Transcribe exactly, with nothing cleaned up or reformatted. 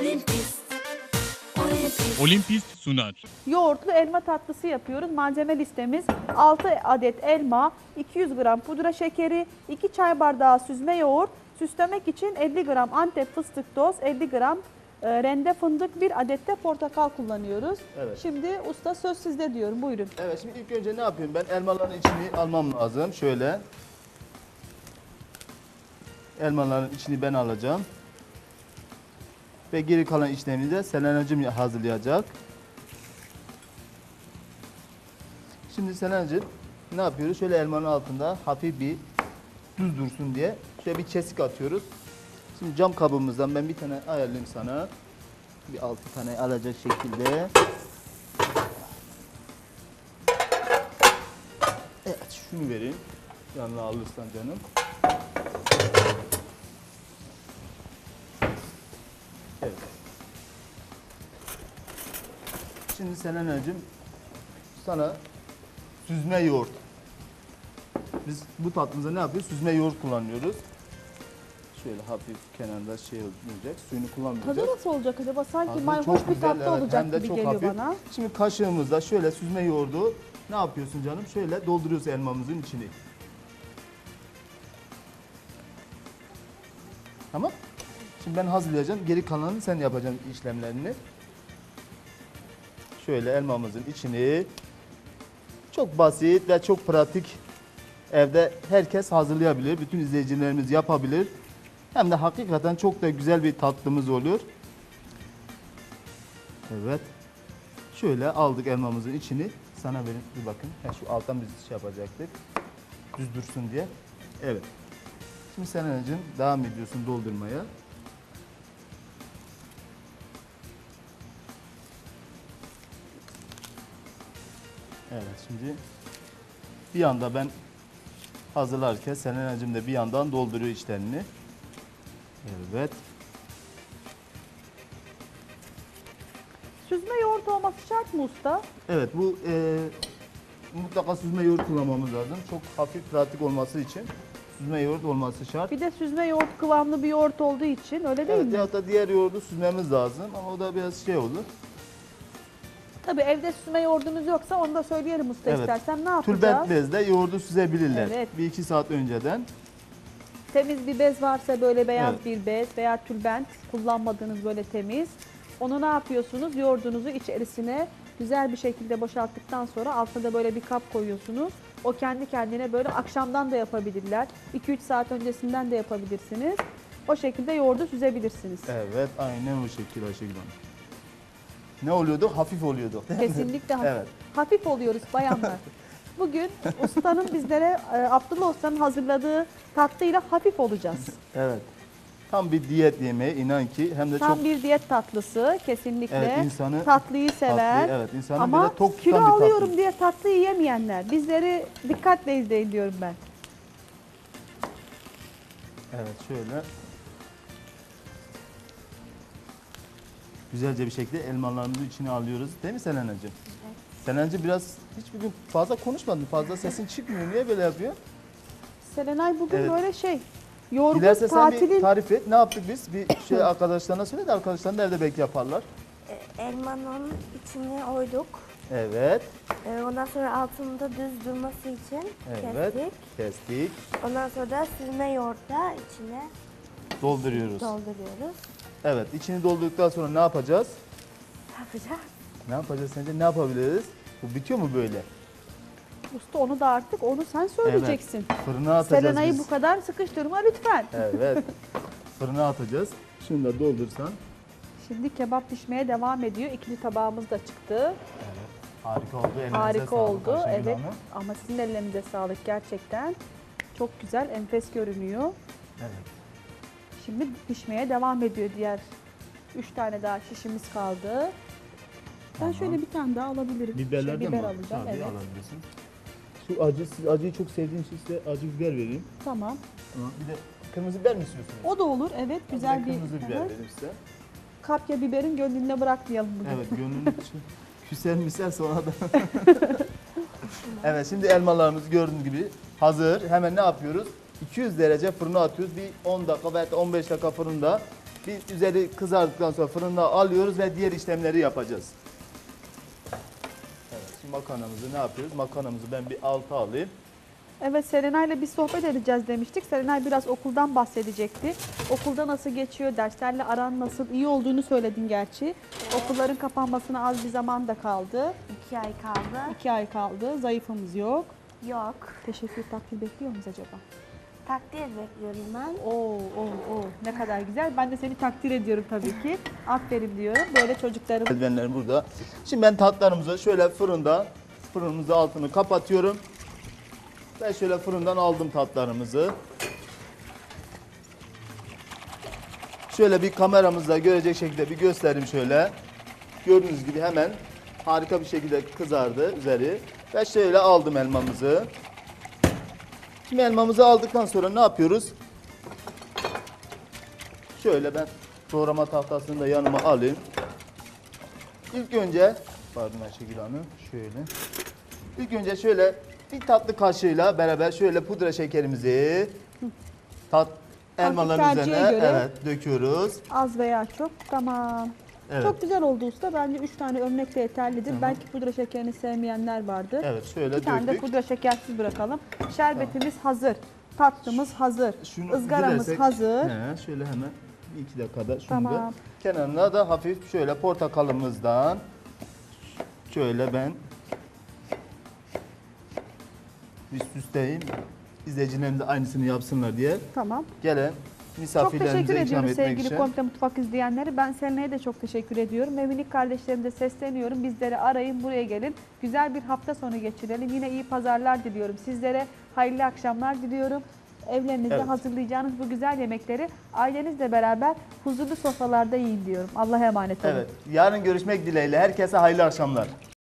Olimpist. Olimpist. Olimpist sunar. Yoğurtlu elma tatlısı yapıyoruz. Malzeme listemiz altı adet elma, iki yüz gram pudra şekeri, iki çay bardağı süzme yoğurt, süslemek için elli gram Antep fıstık toz, elli gram e, rende fındık, bir adet de portakal kullanıyoruz. Evet. Şimdi usta söz sizde diyorum. Buyurun. Evet, şimdi ilk önce ne yapıyorum? Ben elmaların içini almam lazım. Şöyle. Elmaların içini ben alacağım. Ve geri kalan işlemini de Selenacığım hazırlayacak. Şimdi Selenacığım ne yapıyoruz? Şöyle elmanın altında hafif bir düz dursun diye şöyle bir kesik atıyoruz. Şimdi cam kabımızdan ben bir tane ayarlayayım sana. Bir altı tane alacak şekilde. Evet, şunu vereyim. Yanına alırsan canım. Evet. Şimdi Selenacığım sana süzme yoğurt. Biz bu tatlımıza ne yapıyoruz? Süzme yoğurt kullanıyoruz. Şöyle hafif kenarda şey olacak. Suyunu kullanmayacağız. Tadı nasıl olacak acaba? Sanki Tadı mayhoş çok bir güzel, tatlı evet. olacak Hem de gibi çok geliyor hafif. bana. Şimdi kaşığımızda şöyle süzme yoğurdu ne yapıyorsun canım? Şöyle dolduruyoruz elmamızın içini. Tamam. Şimdi ben hazırlayacağım. Geri kalanını sen yapacaksın işlemlerini. Şöyle elmamızın içini çok basit ve çok pratik evde herkes hazırlayabilir. Bütün izleyicilerimiz yapabilir. Hem de hakikaten çok da güzel bir tatlımız oluyor. Evet. Şöyle aldık elmamızın içini. Sana verin bir bakın. Ha, şu alttan biz şey yapacaktık. Düz dursun diye. Evet. Şimdi Selenacığım devam ediyorsun doldurmaya. Evet, şimdi bir yanda ben hazırlarken Selenacığım da bir yandan dolduruyor içlerini. Evet. Süzme yoğurt olması şart mı usta? Evet, bu e, mutlaka süzme yoğurt kullanmamız lazım. Çok hafif pratik olması için süzme yoğurt olması şart. Bir de süzme yoğurt kıvamlı bir yoğurt olduğu için öyle değil Evet, mi? ya da diğer yoğurdu süzmemiz lazım ama o da biraz şey olur. Tabii evde süzme yoğurdunuz yoksa onu da söyleyelim usta Evet. istersen. Ne yapacağız? Tülbent bezle yoğurdu süzebilirler. Evet. Bir iki saat önceden. Temiz bir bez varsa böyle beyaz Evet. bir bez veya tülbent kullanmadığınız böyle temiz. Onu ne yapıyorsunuz? Yoğurdunuzu içerisine güzel bir şekilde boşalttıktan sonra altına da böyle bir kap koyuyorsunuz. O kendi kendine böyle akşamdan da yapabilirler. iki üç saat öncesinden de yapabilirsiniz. O şekilde yoğurdu süzebilirsiniz. Evet, aynen o şekilde Ayşegül Hanım. Ne oluyordu? Hafif oluyordu. değil mi? Kesinlikle hafif, Evet. hafif oluyoruz bayanlar. Bugün ustanın bizlere, e, Abdullah Usta'nın hazırladığı tatlıyla hafif olacağız. Evet. Tam bir diyet yemeği inan ki hem de Tam çok bir diyet tatlısı kesinlikle. Evet, insanı- tatlıyı sever. tatlı, evet, insanı Ama böyle tok kilo tutan bir tatlı. alıyorum diye tatlı yiyemeyenler. Bizleri dikkatle izleyin diyorum ben. Evet, şöyle güzelce bir şekilde elmalarımızın içine alıyoruz. Değil mi Selenacığım? Evet. Selenacığım biraz hiç bugün fazla konuşmadın. Fazla sesin çıkmıyor. Niye böyle yapıyor? Selenay bugün Evet. böyle şey, yorgun Dilerse sen bir tatilin... tarif et. Ne yaptık biz? Bir şey arkadaşlarına söyle de arkadaşlar nerede belki yaparlar. E, Elmanın içine oyduk. Evet. E, Ondan sonra altında düz durması için Evet. kestik. Kestik. Ondan sonra da süzme yoğurtla içine Dolduruyoruz. dolduruyoruz. Evet. içini doldurduktan sonra ne yapacağız? Ne yapacağız? Ne yapacağız sence? Ne yapabiliriz? Bu bitiyor mu böyle? Usta onu da artık onu sen söyleyeceksin. Fırına atacağız Selenay'ı biz. bu kadar sıkıştırma lütfen. Evet. Fırına atacağız. Şunu da doldursan. Şimdi kebap pişmeye devam ediyor. İkili tabağımız da çıktı. Harika oldu. Elinize Harika sağlık oldu. Ayşegül Evet. Hanım. Ama sizin ellerinize sağlık gerçekten. Çok güzel, enfes görünüyor. Evet. Şimdi pişmeye devam ediyor diğer üç tane daha şişimiz kaldı. Ben Tamam. şöyle bir tane daha alabilirim. Biberlerden Şöyle biber mi? alacağım. Tabii, Evet. alabilirsin. Şu acı, siz acıyı çok sevdiğiniz için size acı biber vereyim. Tamam. Bir de kırmızı biber mi istiyorsunuz? O da olur. Evet, güzel Bir de bir kırmızı biber evet. vereyim size. Kapya biberin gönlüne bırakmayalım bugün. Evet, gönlünün için. Küsel misel sonra da. Evet, şimdi elmalarımız gördüğünüz gibi hazır. Hemen ne yapıyoruz? iki yüz derece fırına atıyoruz. Bir on dakika veya on beş dakika fırında Bir üzeri kızardıktan sonra fırında alıyoruz ve diğer işlemleri yapacağız. Evet, şimdi makarnamızı ne yapıyoruz? Makarnamızı ben bir alta alayım. Evet, Serenay'la bir sohbet edeceğiz demiştik. Serenay biraz okuldan bahsedecekti. Okulda nasıl geçiyor, derslerle aran nasıl, iyi olduğunu söyledin gerçi. Okulların kapanmasına az bir zaman da kaldı. İki ay kaldı. İki ay kaldı, zayıfımız yok. Yok. Teşekkür takdir bekliyor muyuz acaba? Takdir bekliyorum ben. Oo, oo, oo. Ne kadar güzel. Ben de seni takdir ediyorum tabii ki. Aferin diyorum. Böyle çocuklarım. Eldivenlerim burada. Şimdi ben tatlarımızı şöyle fırında, fırınımızın altını kapatıyorum. Ben şöyle fırından aldım tatlarımızı. Şöyle bir kameramızda görecek şekilde bir göstereyim şöyle. Gördüğünüz gibi hemen harika bir şekilde kızardı üzeri. Ve şöyle aldım elmamızı. Şimdi elmamızı aldıktan sonra ne yapıyoruz? Şöyle ben doğrama tahtasını da yanıma alayım. İlk önce, pardon Ayşegül Hanım, şöyle. İlk önce şöyle bir tatlı kaşığıyla beraber şöyle pudra şekerimizi tat elmaların tercihe üzerine göre. evet döküyoruz. Az veya çok. Tamam. Evet. Çok güzel oldu usta. Bence üç tane örnek de yeterlidir. Belki pudra şekerini sevmeyenler vardır. Evet, şöyle Bir tane de döktük. pudra şekersiz bırakalım. Şerbetimiz hazır. Tatlımız hazır. Şunu Izgaramız dilersek- hazır. He, şöyle hemen bir iki dakikada şunu Tamam. da kenarına da hafif şöyle portakalımızdan şöyle ben bir süsleyeyim. İzleyicilerim de aynısını yapsınlar diye. Tamam. Gelen Çok misafirlerimize teşekkür ikram ediyoruz etmek sevgili için. Komple Mutfak izleyenleri. Ben Selena'ya de çok teşekkür ediyorum. Ve minik kardeşlerime de sesleniyorum. Bizleri arayın, buraya gelin. Güzel bir hafta sonu geçirelim. Yine iyi pazarlar diliyorum. Sizlere hayırlı akşamlar diliyorum. Evlerinizde Evet. hazırlayacağınız bu güzel yemekleri ailenizle beraber huzurlu sofralarda yiyin diyorum. Allah'a emanet olun. Evet. Yarın görüşmek dileğiyle. Herkese hayırlı akşamlar.